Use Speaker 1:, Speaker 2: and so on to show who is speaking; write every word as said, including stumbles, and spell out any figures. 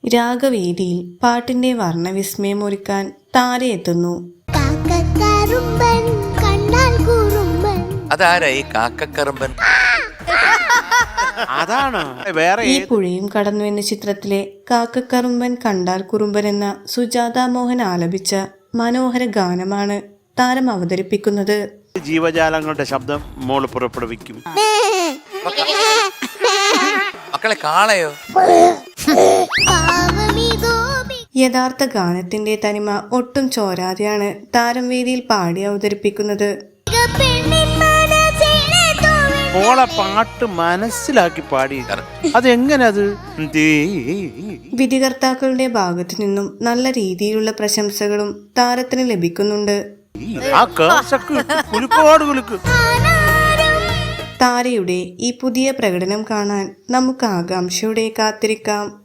Speaker 1: രാഗവേദിയിൽ പാട്ടിന്റെ വർണ്ണവിസ്മയമൊരുക്കാൻ താരയെത്തുന്നു.
Speaker 2: അതാരായി കാക്കക്കറുമ്പൻ?
Speaker 3: അതാണ് വേറെ
Speaker 1: ഈ പുഴയും കടന്നു എന്ന ചിത്രത്തിലെ കാക്കക്കറുമ്പൻ കണ്ടാൽ കുറുമ്പൻ എന്ന സുജാത മോഹൻ ആലപിച്ച മനോഹര ഗാനമാണ് താരം അവതരിപ്പിക്കുന്നത്.
Speaker 3: ജീവജാലങ്ങളുടെ ശബ്ദം മോള് പുറപ്പെടുവിക്കും.
Speaker 2: മക്കളെ കാളയോ?
Speaker 1: യഥാർത്ഥ ഗാനത്തിന്റെ തനിമ ഒട്ടും ചോരാതെയാണ് താരം വേദിയിൽ പാടി അവതരിപ്പിക്കുന്നത്.
Speaker 3: മോളെ പാട്ട് മനസ്സിലാക്കി പാടി അതെങ്ങനെ? അത്
Speaker 1: വിധികർത്താക്കളുടെ ഭാഗത്തു നിന്നും നല്ല രീതിയിലുള്ള പ്രശംസകളും താരത്തിന് ലഭിക്കുന്നുണ്ട്. താരയുടെ ഈ പുതിയ പ്രകടനം കാണാൻ നമുക്ക് ആകാംക്ഷയോടെ കാത്തിരിക്കാം.